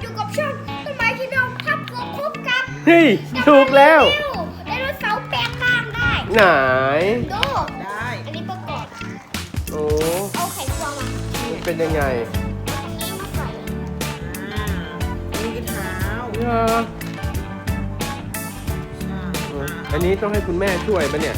อยู่กับช่องต้นไม้ที่เราทับตัวครบกับเฮ้ยถูกแล้วไดโนเสาร์แปลงร่างได้ไหนดูได้อันนี้ประกอบโอ้เอาไขควงมามันเป็นยังไงอันนี้มาใส่อ่านี่คือเท้าเหรอใช่เอออันนี้ต้องให้คุณแม่ช่วยปะเนี่ย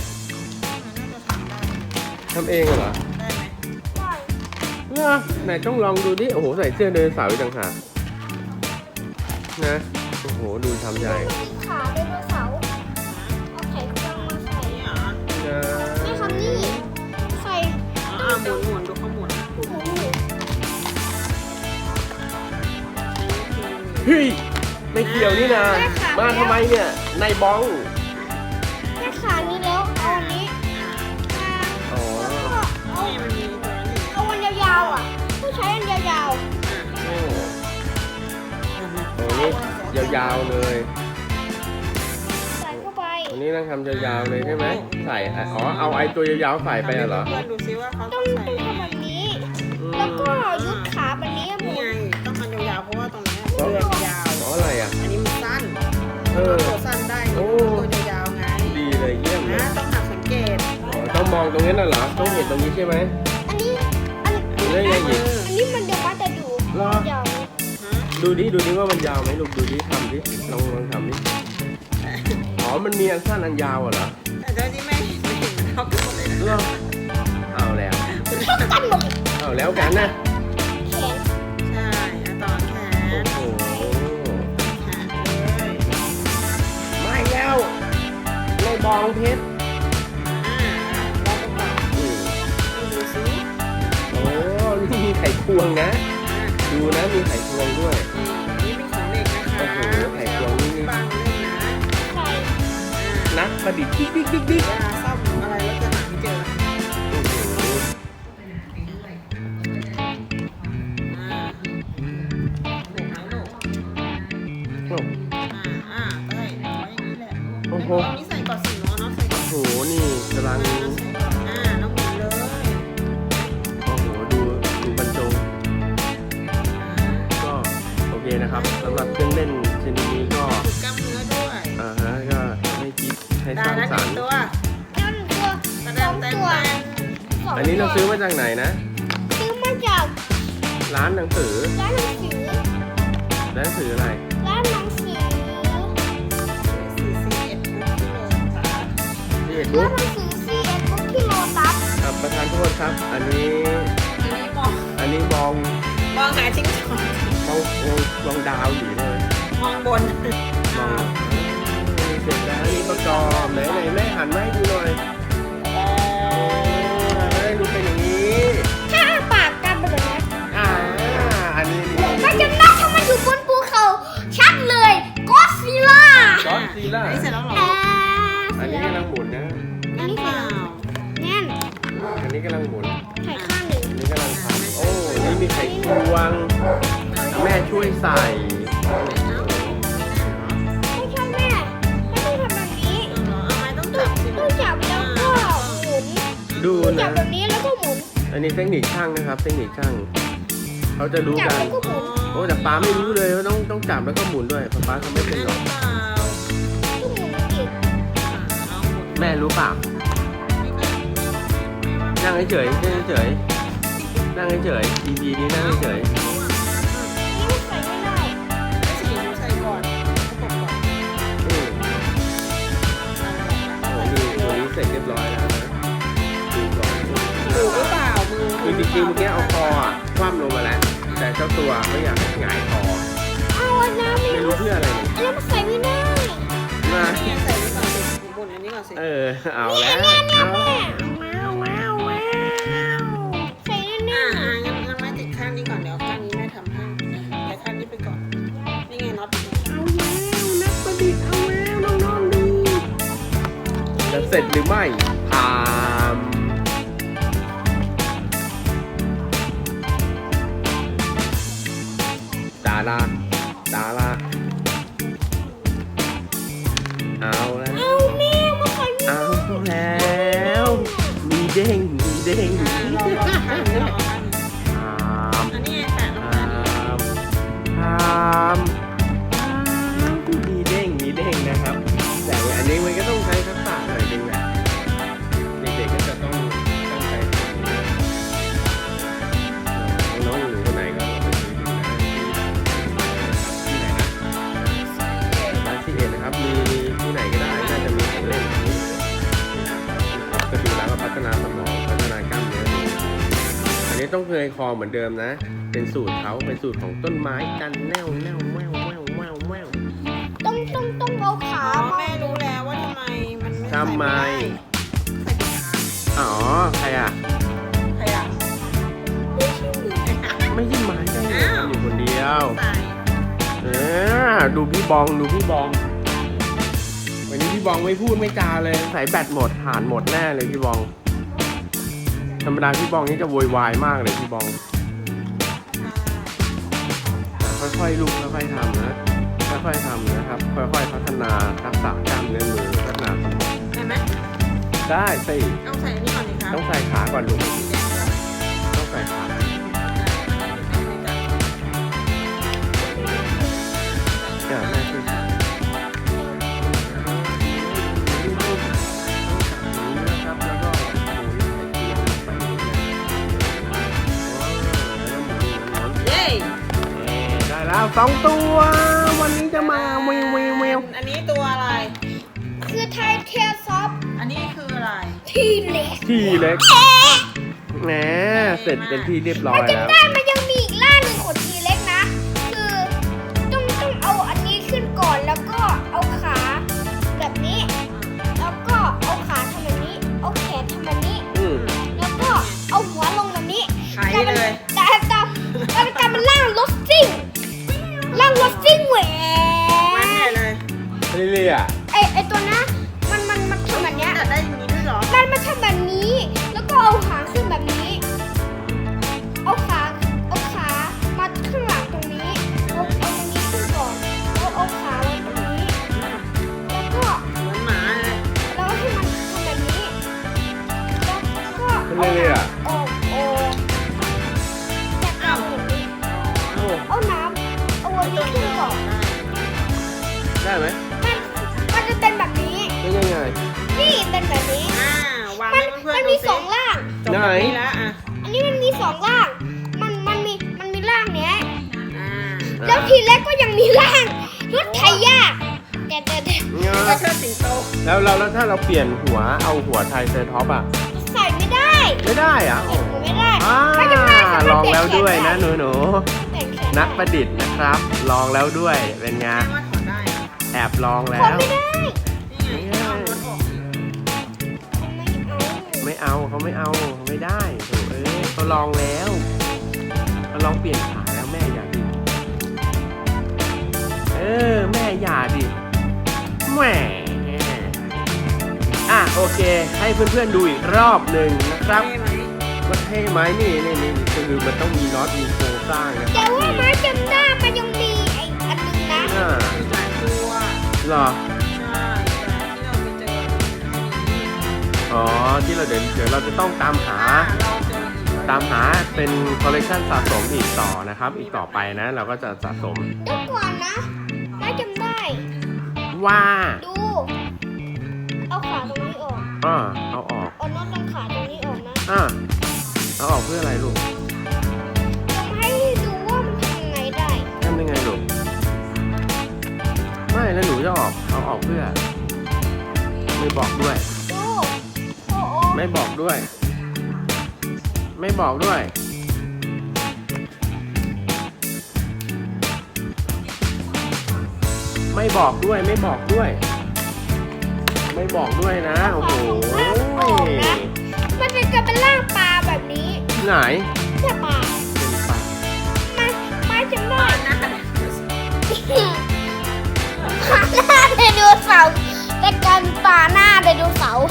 น่าจะทำได้ทำเองเหรอได้ไหมได้เหรอไหนต้องลองดูดิ โอ้โห ใส่เสื้อไดโนเสาร์อีกต่างหากนะ โอ้โห ดูทำใหญ่มีขาไดโนเสาร์เอาไขควงมาใส่นี่เหรอนะนี่ครับนี่ใส่หมุนดูเขาหมุนหมูเฮ้ย ไม่เกี่ยวนี่นะ มาทำไมเนี่ย ในบ้องแค่ขานี้แล้วเอาอันนี้มาอ๋อแล้วก็เอานี่มันมีตัวนั้นอีกเอาอันยาวๆอ่ะต้องใช้อันยาวโอ้โหนี่ยาวๆเลยๆใส่เข้าไปอันนี้ต้องทำยาวๆเลยใช่ไหม ใส่อ๋อ เอาไอ้ตัวยาวๆใส่ไปเหรอเพื่อนดูซิว่าเขาต้ต้ออง งใส่ดึงยังเข้าไงแบบนี้อืมแล้วก็ยุดขาแบบนี้หมุนี่นไงต้องทำยาวๆเพราะว่าตรงเนี้ยเรือยาวอ๋ออะไรอ่ะอันนี้มันสั้นเออตัวสั้นได้โอ้ตัวยาวๆไงดีเลยเยี่ยมเลยนะต้องหัดสังเกตอ๋อต้องมองตรงนี้น่ะเหรอ ต้องเห็นตรงนี้ใช่ไหมอันนี้อันเรื่องไงอีกอันนี้มันเดี๋ยวว่าจะดูรอยาวดูดิว่ามันยาวไหมลูกดูดิทำดิลองทำดิ อ๋อ มันมีอันสั้นอันยาวเหรอแต่เจ้าที่ไม่เห็นมันเท่ากันหมดเลยนะเหรอเอาแล้วเท่ากันหมดเอาแล้วกันนะแขนใช่อะตอนแขโอ้นโหแขนเลยไม่แล้วในบองเพชรเราก็ปรับอืมดูซิโอ้นี่มีไข่ควงนะ ดูนะมีไข่ควงด้วยนี่เป็นของเด็กนะคะโอ้โหไข่ควงนี่บางเล่นนะใส่นักประดิษฐ์ดิ๊กเวลาซ่อมอะไรแล้วจะหาไม่เจอโอ้โหหนูทั้งหนูโอ้ได้เอาไว้อย่างนี้แหละโอ้โหเอานี้ใส่ก่อนสิเนาะเนาะใส่ก่อนโห นี่กำลังน้องหมุนเลยโอ้โห ดูบรรจง ก็โอเคนะครับสำหรับเครื่องเล่นชนิดนี้ก็ฝึกกล้ามเนื้อด้วยก็ให้คิดให้สได้ร้างแล้วสหรนึ่รง ค์ตัวนั่นตัวกระสเด็อน งเต็มตัวเต็มสงอันนี้เราซื้อมาจากไหนนะซื้อมาจากร้านหนังสือร้านหนังสือร้านหนังสืออะไรร้านหนังสือ 41 ที่เอ็ดร้าบุ๊นกหนังสือ CS บุ๊กที่โลตัสประธานโทษครับ อันนี้อันนี้มองมองหาชิ้นส่วนมองดาวอยู่เลยมองบนมองเสร็จแล้วนี่ประกอบไหนแม่หันมาให้ดูหน่อยดูเป็นอย่างนี้ถ้าอ้าปากกันไปเลยนะอันนี้มันจะนับถ้ามันอยู่บนภูเขาชัดเลยก็ซิล่าก็อดซีล่าอันนี้เสร็จแล้วเหรออันนี้กำลังหมุนนะนั่นเปล่าแน่นอันนี้กำลังหมุนไข่ข้างหนึ่งอันนี้กำลังทำโอ้ นี่มีไข่ควง แม่ช่วยใส่ไม่ใช่แม่ไม่ต้องทำแบบนี้เอาไม้ต้องจับสิต้องจับแล้วก็หมุนดูจันะบแบบนี้แล้วก็หมุนอันนี้เทคนิคช่างนะครับ เทคนิคช่าง เขาจะรู้จับกันแล้วก็หมุนโอ้แต่ป้าไม่รู้เลยว่าต้องจับแล้วก็หมุนด้วยป้าทำไม่เป็นหรอกเปล่าก็หมุนอีกลองหมุนแม่รู้เปล่า นั่งเฉยๆนั่งเฉยๆนั่งเฉยๆ EP นี้นั่งเฉยนี่มันใส่ไม่ได้ไม่ใช่หนูใส่ก่อนประกบก่อนๆอืมโอ้นี่ตัวนี้เสร็จเรียบร้อยแล้วนะดูก่อนถูกหรือเปล่ามือคือจริงๆเมื่อกี้เอาคออ่ะคว่ำลงมาแล้ว แต่เจ้าตัวไม่อยากให้หงายคอเอาอันนั้นไม่รู้เพื่ออะไรเลยอันนั้นมันใส่ไม่ได้มานี่ใส่นี่ก่อนสิบนอันนี้ก่อนสิเอาแล้วเอาแม่ว้าวใส่แน่งั้นไม้ติดข้างนี้ก่อนเดี๋ยวข้างนี้แม่ทำให้แต่ข้างนี้ไปก่อนนี่ไงน็อตเอาแล้วนักประดิษฐ์เอาแล้วน้องๆดูจะเสร็จหรือไม่พามดาราเอาแล้วเอาแม่มาใส่ไม่ได้เอาแล้ว มีเด้งลองข้างนี้ลองข้างนี้พามอันนี้แปะลงพามพามต้องเคยคอเหมือนเดิมนะ เป็นสูตรเขาเป็นสูตรของต้นไม้กันแนวแนวแววแววแววแววต้องเอาขาอ๋อมาแม่รู้แล้วว่าทำไมมันไม่ทำไมใส่ผิดขาอ๋อใครอ่ะใครอ่ะไม่ใช่ไม้ได้ไงอ้าวอยู่คนเดียวใส่ดูพี่บองดูพี่บอง วันนี้พี่บองไม่พูดไม่จาเลยใส่แบตหมดฐานหมดแน่เลยพี่บอง ธรรมดาพี่บองนี่จะโวยวายมากเลยพี่บอง ค่อยๆลูกค่อยๆทำนะค่อยๆทำนะครับ ค่อยๆพัฒนาทักษะกล้ามเนื้อมือพัฒนาสมองได้ไหมได้สิเอาใส่อันนี้ก่อนดิครับต้องใส่ขาก่อนลูกสีแดงก่อนต้องใส่ขาแม่คือนะครับแล้วก็หมุนใส่เตียงไปอย่างเงี้ยเย้ได้แล้ว2 ตัว วันนี้จะมาเววเววเววอันนี้ตัวอะไรคือไทยเทลซอฟอันนี้คืออะไรทีเล็กที่เล็กแหมเสร็จเป็นที่เรียบร้อยจะแล้วได้มันยังมีอีกล่าหนึ่งของทีเล็กนะ คือต้องเอาอันนี้ขึ้นก่อนแล้วก็เอาขาแบบนี้ แล้วก็เอาขาทำแบบนี้ เอาแขนทำแบบนี้อืมแล้วก็เอาหัวลงแบบนี้ขายได้เลยแต่มันล่างรถซิ่งล่างรถซิ่งแหวมันใหญ่เลยเรื่อยๆอ่ะไอตัวนะมันทำแบบเนี้ยจัดได้อย่างนี้ด้วยเหรอมันทำแบบนี้ แล้วก็เอาหางขึ้นแบบนี้ เอาขามาข้างหลังตรงนี้ เอาตรงนี้ขึ้นก่อนเอาขาไว้ตรงนี้ แล้วก็เหมือนหมาเลยแล้วให้มันทำแบบนี้ แล้วก็เรื่อยๆอ่ะโอ้แต่เอาแบบนี้โอ้เอาน้ำเอาวันนี้ขึ้นก่อนได้ไหมมันจะเป็นแบบนี้เป็นยังไงนี่เป็นแบบนี้วางมัให้นเพื่อนมันๆดูมีสิสองล่างจบแบบนี้แล้วอ่ะอันนี้มันมีสองล่าง มันมีล่างเนี้ยอ่าแล้วทีแรกก็ยังมีล่างรถไถยากแต่ก็เชิดสิงโตแล้วถ้าเราเปลี่ยนหัวเอาหัวไทยเซอร์ท็อปอ่ะใส่ไม่ได้ไม่ได้อ่ะใส่หัวไม่ได้อ่าไม่จำเป็นสามารถลองแล้วด้วยนะเปลี่ยนหนูแขนได้ๆนักประดิษฐ์นะครับ ลองแล้วด้วยเป็นไงแม่ว่าถอดได้นะแอบลองแล้คนวไม่ได้นี่ไงเอารถออกสิไม่เอาไม่เอาเขาไม่เอาเขาไม่ได้โถเอ้ยเขาลองแล้วเขาลองเปลี่ยนขาแล้วแม่อย่าดิแม่อย่าดิแหมโอเค ให้เพื่อนๆดูอีกรอบหนึ่งนะครับเท่ไหมว่าเท่ไหมนี่คือมันต้องมีน็อตมีโครงสร้างนะคแต่รับว่าไม้จำได้มันยังมีไอ้อันหนึงนะอ่ามีหลายตัวเหรอใช่แต่ที่เราไปเจอมีอ๋อที่เราเดี๋ยวเราจะต้องตามหาเราเจออีกตามหาเป็นคอลเลกชันสะสมอีกต่อนะครับ อีกต่อไปนะ เราก็จะสะสมเดี๋ยวก่อนนะไม้จำได้ว่าดู เอาขาตรงนี้ออกเอาออกเอาน็อตตรงขาตรงนี้ออกนะเอาออกเพื่ออะไรลูกจะให้ดูว่ามันทำยังไงได้ทำยังไงลูกไม่แล้วหนูจะเอาออกเพื่อ ไม่บอกด้วยดูโอ้โหไม่บอกด้วย ไม่บอกด้วย ไม่บอกด้วย ไม่บอกด้วย ไม่บอกด้วยนะ โอ้โหมันจะเป็นร่างปลาแบบนี้ไหนใช่ปลาเป็นปลาไม้จำได้หน้าหน้าไดโนเสาร์แต่การปลาหน้าไดโนเสาร์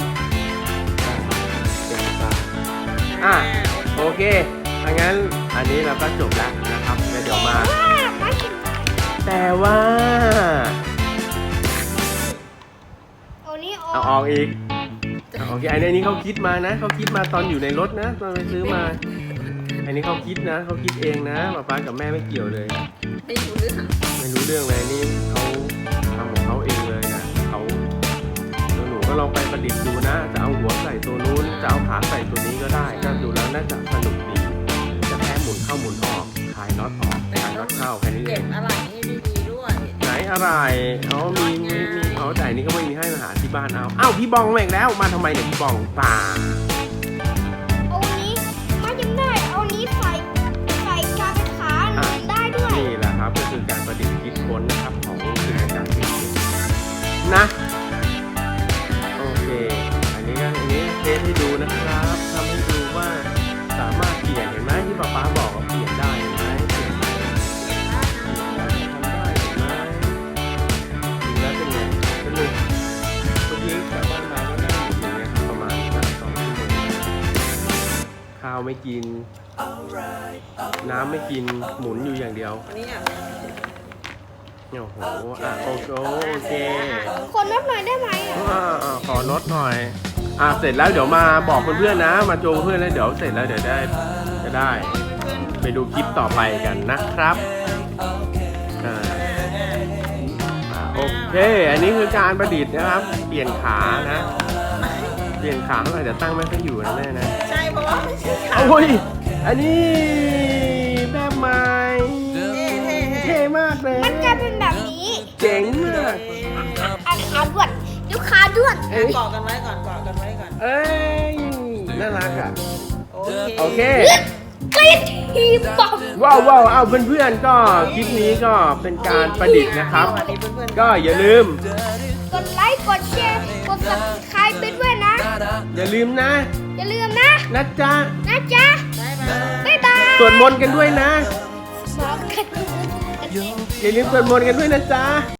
เป็นปลา โอเคถ้างั้นอันนี้เราก็จบแล้วนะครับแล้วเดี๋ยวมาไม้จำได้แต่ว่าเอานี้อเอาอกออกอีกโอเคอันนี้เขาคิดมานะเขาคิดมาตอนอยู่ในรถนะตอนไปซื้อมา อันนี้เขาคิดนะเขาคิดเองนะป๊ากับแม่ไม่เกี่ยวเลยไม่รู้เรื่องไม่รู้เรื่องเลยนี่เขาทำของเขาเองเลยนะเขาหนูก็ลองไปประดิษฐ์ดูนะ จะเอาหัวใส่ตัวนู้นจะเอาขาใส่ตัวนี้ก็ได้ก็ดูแล้วน่าจะสนุกดีจะแค่หมุนเข้าหมุนออกคลายน็อตออกคลายน็อตเข้าแค่นี้เอเก็บงอะไรให้ดีๆด้วยไหนอะไรมีแต่อันนี้ก็ไม่มีให้มาหาที่บ้านเอาพี่บองมาอีกแล้วมาทำไมเนี่ยพี่บองป่าเอานี้ไม้จำได้เอานี้กิน น้ำไม่กินหมุนอยู่อย่างเดียวอันนี้อ่ะโอ้โหโอเคคนนับหน่อยได้ไหมอ่ะขอลดหน่อยเสร็จแล้วเดี๋ยวมาบอกเพื่อนๆนะ มาโจเพื่อนแล้วเดี๋ยวเสร็จแล้วเดี๋ยวจะได้เพื่อนไปดูคลิปต่อไปกันนะครับโอเค อันนี้คือการประดิษฐ์นะครับ เปลี่ยนขานะ เปลี่ยนขาหน่อยเดี๋ยวตั้งไม่ค่อยอยู่นะแม่นะใช่เพราะว่าไม่ใช่ขาโอ้ย อันนี้แบบใหม่เท่เท่มากเลยมันจะเป็นแบบนี้เจ๋งมากขาด้วนดูขาด้วนเอ้ยเกาะกันไว้ก่อนเกาะกันไว้ก่อนเอ้ย น่ารักอ่ะ โอเคกรีดทีบอมว้าวเอาเพื่อนๆก็คลิปนี้ก็เป็นการประดิษฐ์นะครับสวัสดีเพื่อนๆก็อย่าลืมกดไลค์กดแชร์กด subscribe ไปด้วยนะอย่าลืมนะอย่าลืมนะนะจ๊ะนะจ๊ะบ๊ายบายบ๊ายบายสวดมนต์กันด้วยนะบอกกันอย่าลืมสวดมนต์กันด้วยนะจ๊ะ